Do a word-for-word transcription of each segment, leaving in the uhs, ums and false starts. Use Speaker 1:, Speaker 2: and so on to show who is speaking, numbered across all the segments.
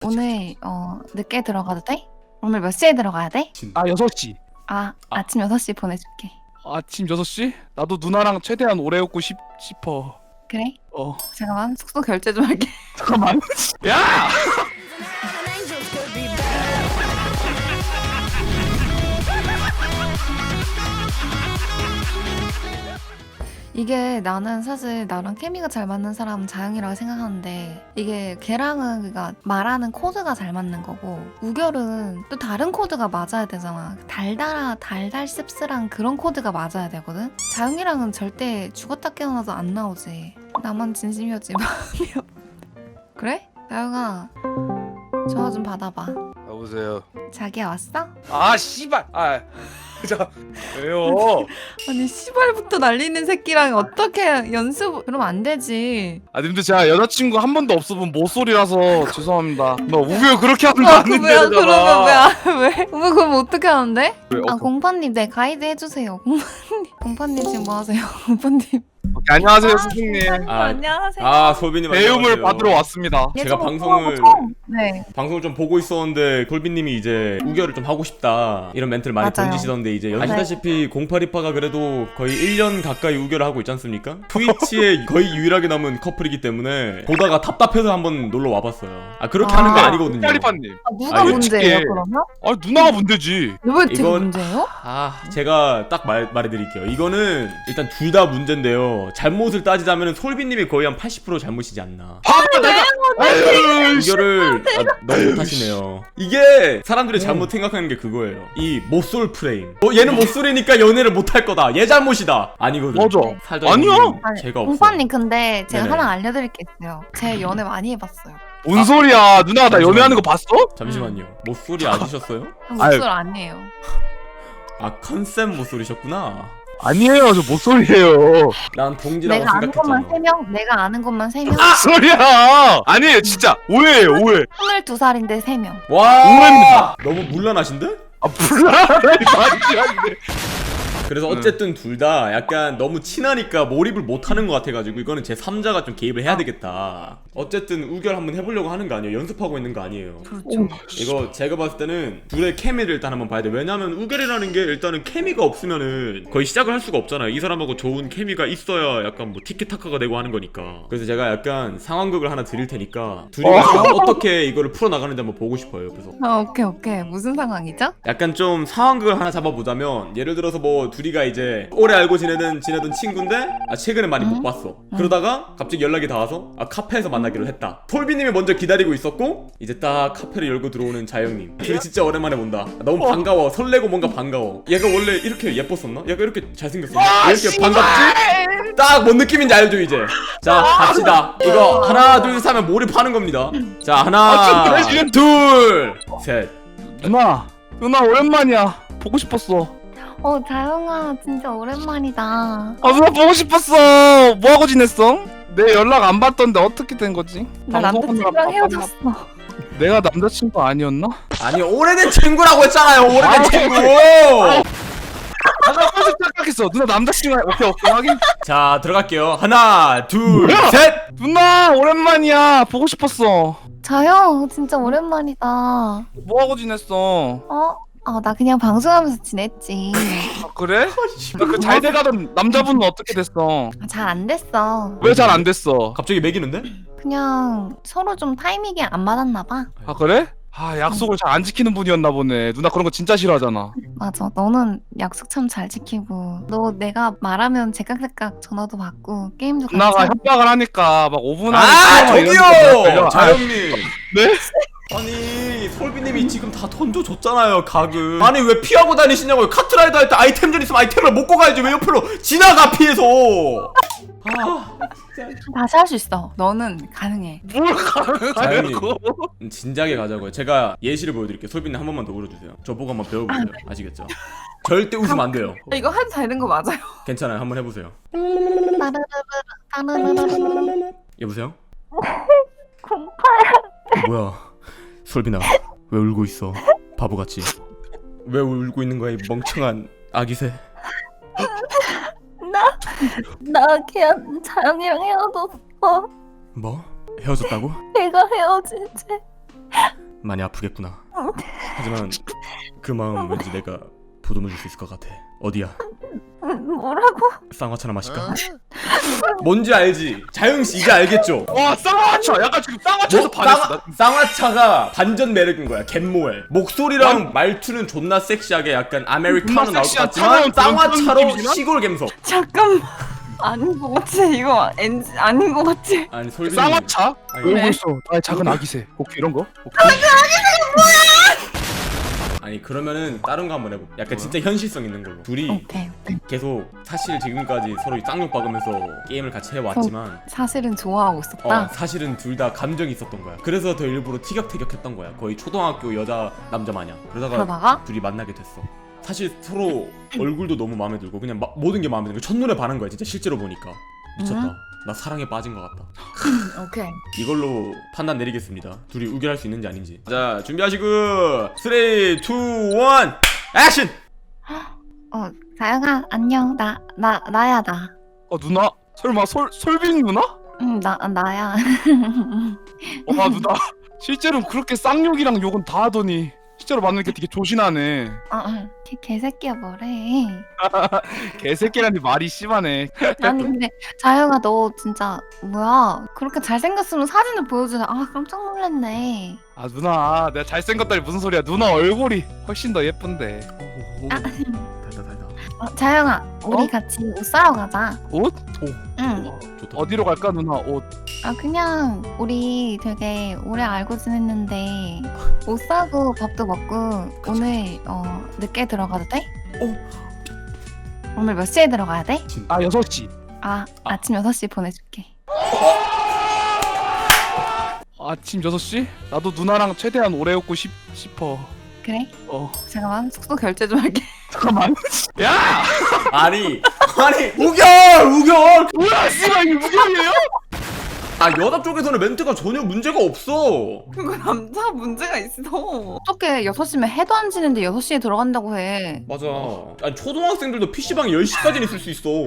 Speaker 1: 오늘 어 늦게 들어가도 돼? 오늘 몇 시에 들어가야 돼?
Speaker 2: 아 여섯 시.
Speaker 1: 아, 아. 아침 여섯 시 보내줄게.
Speaker 2: 아침 여섯 시? 나도 누나랑 최대한 오래 웃고 싶, 싶어.
Speaker 1: 그래?
Speaker 2: 어.
Speaker 1: 잠깐만 숙소 결제 좀 할게.
Speaker 2: 잠깐만. 야!
Speaker 1: 이게 나는 사실 나랑 케미가 잘 맞는 사람은 자영이라고 생각하는데 이게 걔랑은 그니까 말하는 코드가 잘 맞는 거고 우결은 또 다른 코드가 맞아야 되잖아. 달달하 달달 씁쓸한 그런 코드가 맞아야 되거든. 자영이랑은 절대 죽었다 깨어나도 안 나오지. 나만 진심이었지 마음이 없. 그래? 자영아 전화 좀 받아봐.
Speaker 2: 여보세요.
Speaker 1: 자기야 왔어?
Speaker 2: 아 씨발. 아. 자 왜요?
Speaker 1: 아니 시발부터 날리는 새끼랑 어떻게 연습 그러면 안 되지.
Speaker 2: 아 님들 제가 여자친구 한 번도 없어본 모쏠이라서 죄송합니다. 너 우겨 그렇게 하는 거
Speaker 1: 어,
Speaker 2: 아닌데.
Speaker 1: 뭐야 그러면 뭐야 왜? 왜 그럼 어떻게 하는데?
Speaker 2: 왜?
Speaker 1: 아
Speaker 2: 어,
Speaker 1: 공파님 네 가이드 해주세요. 공파님 공파님 지금 뭐 하세요? 공파님
Speaker 2: 오케이, 안녕하세요 스승님.
Speaker 3: 아,
Speaker 1: 안녕하세요.
Speaker 3: 아 소빈님
Speaker 2: 배움을
Speaker 3: 안녕하세요.
Speaker 2: 받으러 왔습니다.
Speaker 3: 제가 방송을
Speaker 1: 네
Speaker 3: 방송을 좀 보고 있었는데 골빈님이 이제 우결을 좀 하고 싶다 이런 멘트를 많이
Speaker 1: 맞아요.
Speaker 3: 던지시던데 이제 아시다시피 공팔이파가 그래도 거의 일 년 가까이 우결을 하고 있지 않습니까? 트위치에 거의 유일하게 남은 커플이기 때문에 보다가 답답해서 한번 놀러 와봤어요. 아 그렇게
Speaker 1: 아.
Speaker 3: 하는 거 아니거든요.
Speaker 2: 파리파님.
Speaker 1: 아, 누가
Speaker 3: 아, 이거
Speaker 1: 문제예요
Speaker 2: 어떡해.
Speaker 1: 그러면?
Speaker 2: 아 누나가 문제지.
Speaker 1: 왜 되게
Speaker 3: 이건-
Speaker 1: 문제예요?
Speaker 3: 아 제가 딱 말, 말해드릴게요. 이거는 일단 둘 다 문제인데요. 잘못을 따지자면 솔빈님이 거의 한 팔십 퍼센트 잘못이지 않나.
Speaker 2: 봐봐 내가. 아유, 씨.
Speaker 3: 이거를 아, 너무 못하시네요. 이게 사람들이 잘못 생각하는 게 그거예요. 이 모쏠 프레임. 어, 얘는 모쏠이니까 연애를 못할 거다. 얘 잘못이다. 아니거든.
Speaker 2: 맞아.
Speaker 3: 살다
Speaker 2: 아니야.
Speaker 3: 보면
Speaker 1: 아니,
Speaker 3: 죄가 없어.
Speaker 1: 공파님 근데 제가
Speaker 3: 네네.
Speaker 1: 하나 알려드릴 게 있어요. 제 연애 많이 해봤어요.
Speaker 2: 뭔 소리야? 누나가 나
Speaker 3: 잠시만요.
Speaker 2: 연애하는 거 봤어?
Speaker 3: 잠시만요. 모쏠이 아니셨어요?
Speaker 1: 목소리 아니에요.
Speaker 3: 아 컨셉 모쏠이셨구나.
Speaker 2: 아니에요, 저 모쏠이에요.
Speaker 3: 난 동지라고
Speaker 1: 내가 아는 것만
Speaker 3: 생각했잖아.
Speaker 1: 세 명, 내가 아는 것만 세 명.
Speaker 2: 무슨 소리야? 아니에요, 진짜 오해예요, 오해.
Speaker 1: 스물두 살인데 세 명.
Speaker 3: 와
Speaker 2: 오해입니다.
Speaker 3: 너무 물란하신데?
Speaker 2: 아 불안하다니 말이 안 돼.
Speaker 3: 그래서 어쨌든 둘 다 약간 너무 친하니까 몰입을 못하는 것 같아가지고 이거는 제 삼자가 좀 개입을 해야 되겠다. 어쨌든 우결 한번 해보려고 하는 거 아니에요? 연습하고 있는 거 아니에요?
Speaker 1: 그렇죠.
Speaker 3: 이거 제가 봤을 때는 둘의 케미를 일단 한번 봐야 돼. 왜냐면 우결이라는 게 일단은 케미가 없으면은 거의 시작을 할 수가 없잖아요. 이 사람하고 좋은 케미가 있어야 약간 뭐 티키타카가 되고 하는 거니까. 그래서 제가 약간 상황극을 하나 드릴 테니까 둘이
Speaker 2: 어.
Speaker 3: 어떻게 이거를 풀어나가는지 한번 보고 싶어요. 그래서
Speaker 1: 아 오케이 오케이 무슨 상황이죠?
Speaker 3: 약간 좀 상황극을 하나 잡아보자면 예를 들어서 뭐 둘이가 이제 오래 알고 지내던 지내던 친구인데 아 최근에 많이 못 봤어. 그러다가 갑자기 연락이 닿아서 아 카페에서 만나기로 했다. 톨비님이 먼저 기다리고 있었고 이제 딱 카페를 열고 들어오는 자영님. 둘이 진짜 오랜만에 본다. 너무 반가워. 설레고 뭔가 반가워. 얘가 원래 이렇게 예뻤었나? 얘가 이렇게 잘생겼었나? 왜 이렇게 반갑지? 딱 뭔 느낌인지 알죠 이제. 자 갑시다. 이거 하나 둘 셋 하면 몰입하는 겁니다. 자 하나
Speaker 2: 아, 좀 그래,
Speaker 3: 둘 셋.
Speaker 2: 누나, 누나 오랜만이야. 보고 싶었어.
Speaker 1: 어 자영아 진짜 오랜만이다.
Speaker 2: 아 누나 보고 싶었어. 뭐 하고 지냈어? 내 연락 안 받던데 어떻게 된 거지?
Speaker 1: 나
Speaker 2: 방송하느라
Speaker 1: 남자친구랑
Speaker 2: 바빴나?
Speaker 1: 헤어졌어.
Speaker 2: 내가 남자친구 아니었나?
Speaker 3: 아니 오래된 친구라고 했잖아요. 오래된
Speaker 2: 아이,
Speaker 3: 친구.
Speaker 2: 아, 나 벌써 착각했어. 누나 남자친구 아니- 오케이 오케이 확인.
Speaker 3: 자 들어갈게요. 하나 둘
Speaker 2: 뭐야?
Speaker 3: 셋.
Speaker 2: 누나 오랜만이야. 보고 싶었어.
Speaker 1: 자영 진짜 오랜만이다.
Speaker 2: 뭐 하고 지냈어?
Speaker 1: 어? 아 나 그냥 방송하면서 지냈지.
Speaker 2: 아 그래? 나 그 잘 돼가던 남자분은 어떻게 됐어?
Speaker 1: 잘 안 됐어.
Speaker 2: 왜 잘 안 됐어?
Speaker 3: 갑자기 매기는데?
Speaker 1: 그냥 서로 좀 타이밍이 안 맞았나 봐.
Speaker 2: 아 그래? 아 약속을 잘 안 지키는 분이었나 보네. 누나 그런 거 진짜 싫어하잖아.
Speaker 1: 맞아. 너는 약속 참 잘 지키고 너 내가 말하면 제깍제깍 전화도 받고 게임도 같이
Speaker 2: 누나가
Speaker 1: 하고.
Speaker 2: 협박을 하니까 막 오 분 안에
Speaker 3: 아
Speaker 2: 끊어 이런 거
Speaker 3: 저기요
Speaker 2: 걸려.
Speaker 3: 자영님.
Speaker 2: 네?
Speaker 3: 아니 솔비님이 지금 다 던져줬잖아요 각을. 아니 왜 피하고 다니시냐고요. 카트라이더 할 때 아이템전 있으면 아이템을 먹고 가야지. 왜 옆으로 지나가 피해서. 아
Speaker 1: 다시 할 수 있어. 너는 가능해.
Speaker 2: 뭘 가능하냐고.
Speaker 3: 음, 진작에 가자고요. 제가 예시를 보여드릴게요. 솔비님 한 번만 더 울어주세요. 저보고 한번 배워보세요. 아시겠죠? 절대 웃으면 안 돼요.
Speaker 1: 이거 해도 되는 거 맞아요?
Speaker 3: 괜찮아요. 한번 해보세요. 여보세요? 뭐야 솔빈아 왜 울고 있어 바보같이. 왜 울고 있는 거야 이 멍청한 아기새.
Speaker 1: 나, 나 그냥 자영이랑 헤어졌어.
Speaker 3: 뭐? 헤어졌다고?
Speaker 1: 내가 헤어진 채
Speaker 3: 많이 아프겠구나. 하지만 그 마음 왠지 내가 보듬어 줄 수 있을 것 같아. 어디야?
Speaker 1: 뭐라고?
Speaker 3: 쌍화차나 마실까? 뭔지 알지? 자영씨 이제 알겠죠?
Speaker 2: 와 쌍화차 약간 지금 쌍화차에서
Speaker 3: 뭐,
Speaker 2: 반했어.
Speaker 3: 쌍화, 쌍화차가 반전 매력인 거야. 갯모엘 목소리랑 말투는 존나 섹시하게 약간 아메리카노
Speaker 2: 존나
Speaker 3: 나올 것
Speaker 2: 섹시한
Speaker 3: 같지만
Speaker 2: 차가운 그런
Speaker 3: 쌍화차로
Speaker 2: 느낌이지만?
Speaker 3: 시골 감성.
Speaker 1: 잠깐만. 아닌 것 같아. 이거 엔지 아닌 것 같아.
Speaker 3: 아니 솔비
Speaker 2: 쌍화차?
Speaker 3: 아니,
Speaker 2: 왜
Speaker 1: 네.
Speaker 2: 벌써 나의 작은 아기새 혹시 이런 거? 오케이.
Speaker 3: 아니 그러면은 다른 거 한번 해볼게. 약간 진짜 현실성 있는 걸로. 둘이
Speaker 1: 오케이. 오케이.
Speaker 3: 계속 사실 지금까지 서로 쌍욕 박으면서 게임을 같이 해왔지만
Speaker 1: 사실은 좋아하고 있었다.
Speaker 3: 어, 사실은 둘 다 감정이 있었던 거야. 그래서 더 일부러 티격태격했던 거야. 거의 초등학교 여자 남자 마냥. 그러다가
Speaker 1: 그러다가
Speaker 3: 둘이 만나게 됐어. 사실 서로 얼굴도 너무 마음에 들고 그냥 마, 모든 게 마음에 들고 첫눈에 반한 거야. 진짜 실제로 보니까 미쳤다.
Speaker 1: 음.
Speaker 3: 나 사랑에 빠진 것 같다.
Speaker 1: 오케이.
Speaker 3: 이걸로 판단 내리겠습니다. 둘이 우결할 수 있는지 아닌지. 자 준비하시고 삼, 이, 일 액션!
Speaker 1: 어, 다영아 안녕. 나 나 나야 나.
Speaker 2: 어 누나 설마 솔 솔빈 누나?
Speaker 1: 응, 나 나야.
Speaker 2: 와 누나 실제로 그렇게 쌍욕이랑 욕은 다 하더니 실제로 만나는 게 되게 조신하네.
Speaker 1: 아, 응. 개, 개새끼야 뭐래.
Speaker 2: 개새끼라니 말이 심하네.
Speaker 1: 아니 근데 자영아 너 진짜 뭐야? 그렇게 잘생겼으면 사진을 보여주네. 아 깜짝 놀랐네.
Speaker 2: 아 누나 내가 잘생겼다니 무슨 소리야. 누나 얼굴이 훨씬 더 예쁜데.
Speaker 1: 아,
Speaker 3: 달다 달다.
Speaker 1: 어, 자영아 우리
Speaker 2: 어?
Speaker 1: 같이 옷 사러 가자.
Speaker 2: 옷?
Speaker 1: 응.
Speaker 3: 좋다.
Speaker 2: 어디로 갈까 누나 옷?
Speaker 1: 아 그냥 우리 되게 오래 알고 지냈는데 옷 사고 밥도 먹고 오늘 어 늦게 들어가도 돼?
Speaker 3: 어.
Speaker 1: 오늘 몇 시에 들어가야 돼?
Speaker 2: 아 여섯 시.
Speaker 1: 아, 아침 여섯 시에 보내줄게.
Speaker 2: 아침 여섯 시? 나도 누나랑 최대한 오래 웃고 싶, 싶어.
Speaker 1: 그래?
Speaker 2: 어
Speaker 1: 잠깐만 숙소 결제 좀 할게.
Speaker 2: 잠깐만. 야!
Speaker 3: 아니 아니 우결 우결.
Speaker 2: 뭐야 씨발 이게 무경이에요?
Speaker 3: 아 여자 쪽에서는 멘트가 전혀 문제가 없어.
Speaker 1: 그거 남자 문제가 있어. 어떻게 여섯 시면 해도 안 지는데 여섯 시에 들어간다고 해.
Speaker 3: 맞아. 아니 초등학생들도 피시방 열 시까지는 있을 수 있어.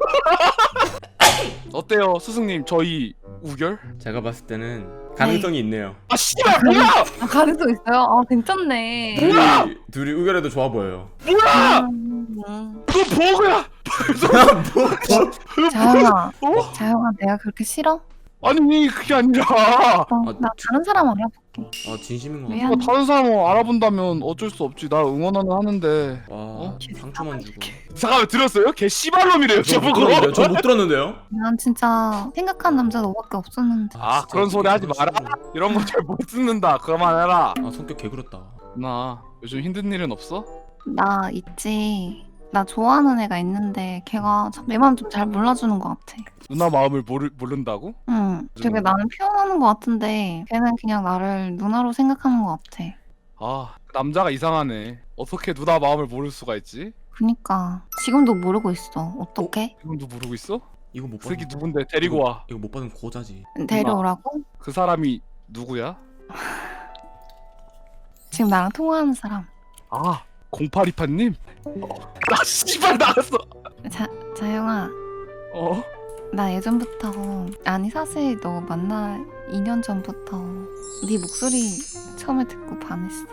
Speaker 2: 어때요 스승님 저희 우결?
Speaker 3: 제가 봤을 때는 가능성이 있네요.
Speaker 2: 아 씨발 뭐야!
Speaker 1: 아, 가능성 있어요? 아 괜찮네.
Speaker 3: 둘이 둘이 의견에도 좋아 보여요.
Speaker 2: 뭐야!
Speaker 1: 음, 음.
Speaker 2: 너 버그야!
Speaker 3: 뭐, 뭐.
Speaker 1: 자영아,
Speaker 2: 어?
Speaker 1: 자영아 내가 그렇게 싫어?
Speaker 2: 아니 그게 아니라
Speaker 1: 어,
Speaker 3: 아,
Speaker 1: 나 다른 사람 알아볼게.
Speaker 3: 아 진심인 것 같아.
Speaker 1: 미안.
Speaker 2: 뭐 다른 사람을 알아본다면 어쩔 수 없지. 나 응원하는 하는데.
Speaker 3: 와
Speaker 2: 어?
Speaker 3: 상처만 주고.
Speaker 2: 잠깐만 들었어요? 걔 씨발놈이래요 저보고.
Speaker 3: 저못 들었는데요.
Speaker 1: 난 진짜 생각한 남자 너밖에 없었는데.
Speaker 2: 아
Speaker 3: 진짜
Speaker 2: 그런 소리 하지 마라.
Speaker 3: 그러시고.
Speaker 2: 이런 거 잘 못 듣는다. 그만해라.
Speaker 3: 아 성격 개그렇다.
Speaker 2: 나 요즘 힘든 일은 없어?
Speaker 1: 나 있지. 나 좋아하는 애가 있는데 걔가 참 내 마음 좀 잘 몰라주는 것 같아.
Speaker 2: 누나 마음을 모르, 모른다고?
Speaker 1: 응, 되게 나는 표현하는 것 같은데 걔는 그냥 나를 누나로 생각하는 것 같아.
Speaker 2: 아 남자가 이상하네. 어떻게 누나 마음을 모를 수가 있지?
Speaker 1: 그니까 지금도 모르고 있어. 어떡해?
Speaker 2: 지금도 모르고 있어?
Speaker 3: 이거 못
Speaker 2: 그 새끼
Speaker 3: 받으면
Speaker 2: 누군데 데리고 와.
Speaker 3: 이거 못 받으면 고자지.
Speaker 1: 데려오라고?
Speaker 2: 그 사람이 누구야?
Speaker 1: 지금 나랑 통화하는 사람.
Speaker 2: 아 공팔이파님? 나 씨발 나갔어.
Speaker 1: 자, 자영아.
Speaker 2: 어?
Speaker 1: 나 예전부터 아니 사실 너 만나 이 년 전부터 네 목소리 처음에 듣고 반했어.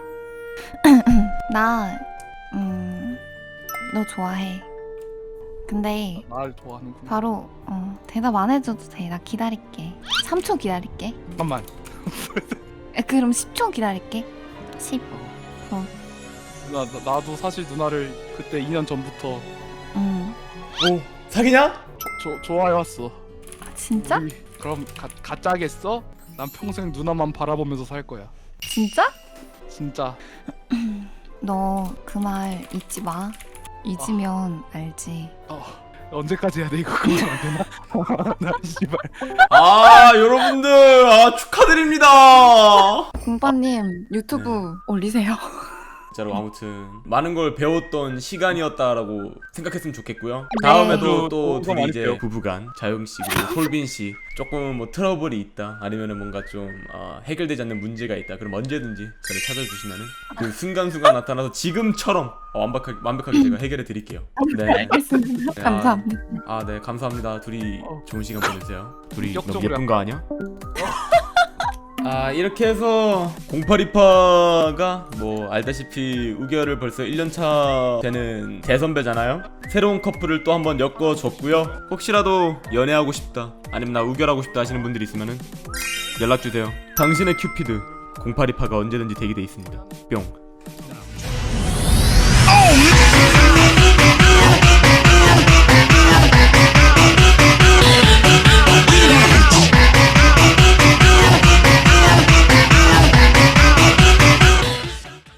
Speaker 1: 나 음, 너 좋아해. 근데
Speaker 2: 날 좋아하는구나.
Speaker 1: 바로 어, 대답 안 해줘도 돼. 나 기다릴게. 삼 초 기다릴게.
Speaker 2: 잠깐만.
Speaker 1: 에, 그럼 십 초 기다릴게. 십.
Speaker 2: 나, 나 나도 사실 누나를 그때 이 년 전부터
Speaker 1: 음.
Speaker 3: 오 사귀냐?
Speaker 2: 조, 좋아해왔어.
Speaker 1: 아, 진짜?
Speaker 2: 우리 그럼 가, 가짜겠어? 난 평생 누나만 바라보면서 살 거야.
Speaker 1: 진짜?
Speaker 2: 진짜.
Speaker 1: 너 그 말 잊지 마. 잊으면 알지.
Speaker 2: 어, 언제까지 해야 돼 이거? 그러면 안 되나? 나 씨발.
Speaker 3: 아 여러분들 아 축하드립니다.
Speaker 1: 공파님 유튜브 올리세요.
Speaker 3: 진짜로 아무튼 많은 걸 배웠던 시간이었다라고 생각했으면 좋겠고요.
Speaker 1: 네.
Speaker 3: 다음에도 또
Speaker 2: 또
Speaker 3: 둘이 이제
Speaker 2: 많이
Speaker 3: 부부간 자영 씨 그리고 솔빈 씨 조금 뭐 트러블이 있다 아니면은 뭔가 좀 어, 해결되지 않는 문제가 있다 그럼 언제든지 저를 찾아주시면은 그 순간순간 나타나서 지금처럼 어, 완벽하게 완벽하게 제가 해결해 드릴게요. 네.
Speaker 1: 알겠습니다.
Speaker 3: 네,
Speaker 1: 감사합니다.
Speaker 3: 아 네 감사합니다. 둘이
Speaker 2: 어.
Speaker 3: 좋은 시간 보내세요. 둘이 너무
Speaker 2: 본격적으로
Speaker 3: 예쁜 거 아니야? 아 이렇게 해서 공팔이파가 뭐 알다시피 우결을 벌써 일 년 차 되는 대선배잖아요. 새로운 커플을 또 한번 엮어줬고요. 혹시라도 연애하고 싶다 아니면 나 우결하고 싶다 하시는 분들이 있으면은 연락주세요. 당신의 큐피드 공팔이파가 언제든지 대기돼 있습니다. 뿅.